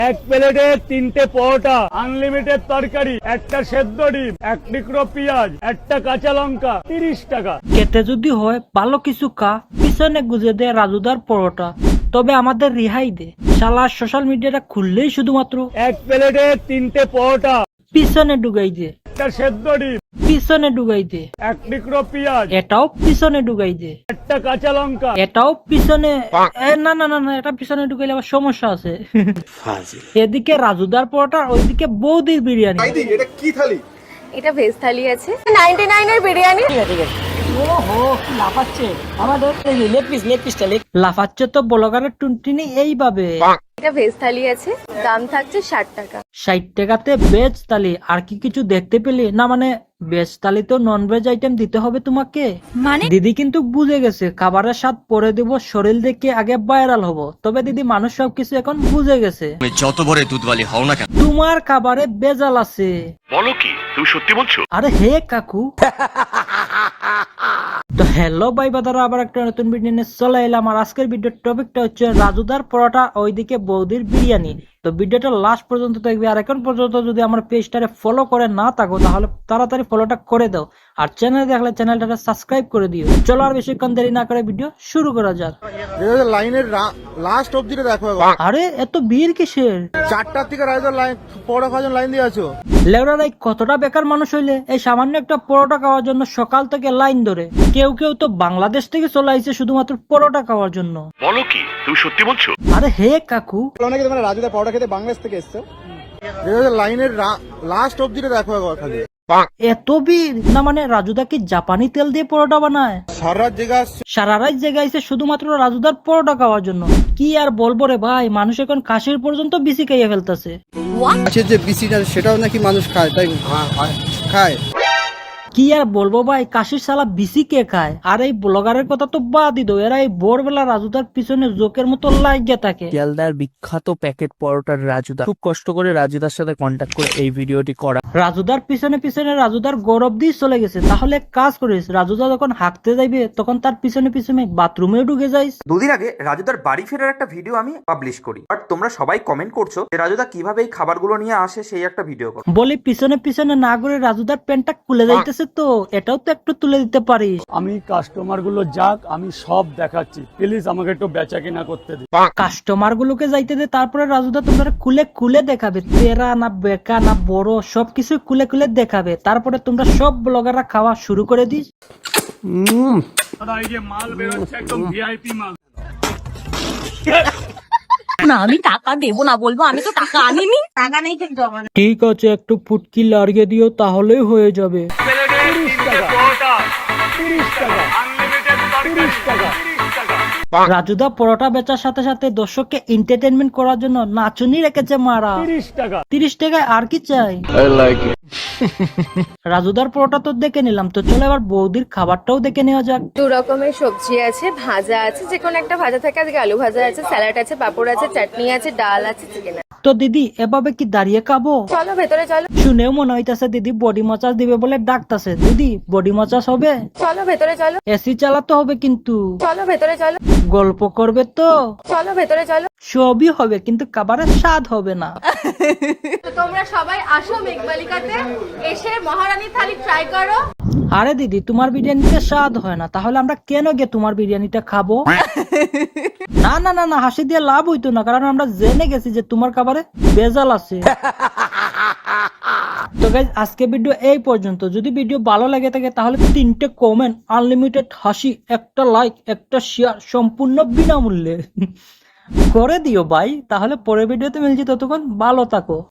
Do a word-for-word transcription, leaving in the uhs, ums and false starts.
এক প্লেটে তিনটে পরোটা, আনলিমিটেড তরকারি, একটা সেদ্ধ ডিম, এক টুকরো পেঁয়াজ, একটা কাঁচা লঙ্কা, তিরিশ টাকা। খেতে যদি হয় ভালো কিছু খা, পিছনে গুজে দে রাজুদার পরোটা, তবে আমাদের রেহাই দে। শালা সোশ্যাল মিডিয়াটা খুললেই শুধুমাত্র এক প্লেটে তিনটে পরোটা, পিছনে ডুগাই দে, একটা সেদ্ধ ডিম, পিছনে ডুগাই দে, এক টুকরো পেঁয়াজ, এটাও পিছনে ডুগাই দে, একটা কাঁচা লঙ্কা। এটাও পিছনে। এ, না না না না, এটা পিছনে ঢুকাইলে আবার সমস্যা আছে। এদিকে রাজুদার পরোটা, ওইদিকে বৌদির বিরিয়ানি। এটা কি থালি? এটা ভেজ থালি আছে নাইনটি নাইন এর বিরিয়ানি। লাফাচ্ছে তো ব্লগারের টুনটুনি এইভাবে। এটা ভেজ থালি আছে, দাম থাকছে ষাট টাকা। ষাট টাকাতে ভেজ থালি, আর কি কিছু দেখতে পেলি না? মানে ভেজ থালি তো নন ভেজ আইটেম দিতে হবে তোমাকে। মানে দিদি কিন্তু বুঝে গেছে খাবারের স্বাদ পরে দিব, শরীর দেখে আগে ভাইরাল হব। তবে দিদি মানুষ সবকিছু এখন বুঝে গেছে। যত বড় দুধওয়ালি হও না কেন, তোমার খাবারে বেজাল আছে। বলো কি তুমি সত্যি বলছো? আরে হে কাকু। তো হ্যালো ভাই বাদারা, আবার একটা নতুন ভিডিও নিয়ে চলে এলাম। আর আজকের ভিডিওর টপিকটা হচ্ছে রাজুদার পরোটা, ওইদিকে বৌদির বিরিয়ানি। তো ভিডিওটা লাস্ট পর্যন্ত দেখবি। আর এখন পর্যন্ত যদি আমার পেজটারে ফলো করে না থাকো, তাহলে তাড়াতাড়ি ফলোটা করে দাও। আর চ্যানেল দেখলে চ্যানেলটা সাবস্ক্রাইব করে দিও। চলো আর বেশিক্ষণ দেরি না করে ভিডিও শুরু করা যাক। লাইনের লাস্ট অবধিটা দেখো একবার। আরে এত ভিড় কিসের? চারটার থেকে রাইজার লাইন পরোটা খাওয়ার জন্য লাইন দিয়ে আছো। লেবরারাই কতটা বেকার মানুষ হইলে এই সামান্য একটা পরোটা খাওয়ার জন্য সকাল থেকে লাইন ধরে। কেউ কেউ তো বাংলাদেশ থেকে চলে আইছে শুধুমাত্র পরোটা খাওয়ার জন্য। বলো কি তুমি সত্যি বলছো? আরে হে কাকু, অনেকে তোমরা রাজুদার পরোটা খেতে বাংলাদেশ থেকে এসছো। লাইনের লাস্ট অবধিটা দেখো একবার খালি। এত ভিড় না? মানে রাজুদা কি জাপানি তেল দিয়ে পরোটা বানায়? সারা জায়গা সারা রাত জেগাইছে শুধুমাত্র রাজুদার পরোটা খাওয়ার জন্য। কি আর বলবো রে ভাই, মানুষ এখন কাশির পর্যন্ত বিসি খাইয়ে ফেলতেছে। আছে যে বিসিটা, সেটাও নাকি মানুষ খায়, তাই খায়। কি আর বলবো ভাই, কাশির সালা বিসি কে খায়? আর এই ব্লগারের কথা তো বাদই দো, এরা এই ভোরবেলা রাজুদার পিছনে জোকের মতো লাগিয়ে থাকে। শিয়ালদার বিখ্যাত প্যাকেট পরোটার রাজুদা খুব কষ্ট করে রাজুদার সাথে কন্ট্যাক্ট করে এই ভিডিওটি করা। রাজুদার পিছনে পিছনে রাজুদার গৌরব দিয়ে চলে গেছে। তাহলে এক কাজ করিস, রাজুদা যখন হাঁকতে যাইবে তখন তার পিছনে পিছনে বাথরুমেও ঢুকে যাইস। দুদিন আগে রাজুদার বাড়ি ফেরার একটা ভিডিও আমি পাবলিশ করি, বাট তোমরা সবাই কমেন্ট করছো যে রাজুদা কিভাবে এই খাবারগুলো নিয়ে আসে সেই একটা ভিডিও করো। বলি পিছনে পিছনে না করে রাজুদার প্যান্টটা খুলে যাইতেছে, তো এটাও তো একটু তুলে দিতে পারিস। আমি কাস্টমার গুলো যাক, আমি সব দেখাচ্ছি, প্লিজ আমাকে একটু বেচা কিনা করতে দিন। কাস্টমার গুলোকে যাইতে দে, তারপরে রাজুদা তোমরা খুলে খুলে দেখাবে, তেরা না বেকা না বড় সবকিছু খুলে খুলে দেখাবে। তারপরে তোমরা সব ব্লগাররা খাওয়া শুরু করে দিস। দাদা এই যে মাল বেরোচ্ছে একদম ভিআইপি মাল। না আমি টাকা দেবো না, বলবো আমি তো টাকা আনিনি, টাকা নেই কিন্তু আমার। ঠিক আছে, একটু ফুটকি লাগিয়ে দিও তাহলেই হয়ে যাবে। তিরিশ টাকা পরোটা, তিরিশ টাকা আনলিমিটেড তিরিশ টাকা। রাজুদা পরোটা বেচার সাথে সাথে দর্শককে এন্টারটেনমেন্ট করার জন্য নাচুনি রেখেছে মারা। তিরিশ টাকা তিরিশ টাকায় আর কি চাই? রাজুদার পরোটা তো দেখে নিলাম, তো চলো এবার বৌদির খাবারটাও দেখে নেওয়া যাক। দু রকমের সবজি আছে, ভাজা আছে, যে কোনো একটা ভাজা থাকে, আজকে আলু ভাজা আছে, স্যালাড আছে, পাপড় আছে, চাটনি আছে, ডাল আছে, চিকেন আছে। তো দিদি এভাবে কি দাঁড়িয়ে খাবো? চলো ভেতরে চলো। শুনেও মনে হইতাছে দিদি বডি মাসাজ দিবে বলে ডাকতাছে। দিদি বডি মাসাজ হবে? চলো ভেতরে চলো। এসি চালাতে হবে কিন্তু। চলো ভেতরে চলো। গল্প করবে তো? চলো ভেতরে চলো। সবই হবে কিন্তু খাবারের স্বাদ হবে না। তো তোমরা সবাই আসো মেঘমালিকাতে, এসে মহারানী থালি ট্রাই করো। আরে দিদি তোমার বিরিয়ানিতে স্বাদ হয় না, তাহলে আমরা কেন গিয়ে তোমার বিরিয়ানিটা খাবো? না না না না, হাসি দিয়ে লাভ হইতো না, কারণ আমরা জেনে গেছি যে তোমার খাবারে ভেজাল আছে। তো গাইস আজকে ভিডিও এই পর্যন্ত। যদি ভিডিও ভালো লাগে থাকে তাহলে তিনটে কমেন্ট, আনলিমিটেড হাসি, একটা লাইক, একটা শেয়ার সম্পূর্ণ বিনামূল্যে করে দিও ভাই। তাহলে পরের ভিডিওতে মিলছি, ততক্ষণ ভালো থাকো।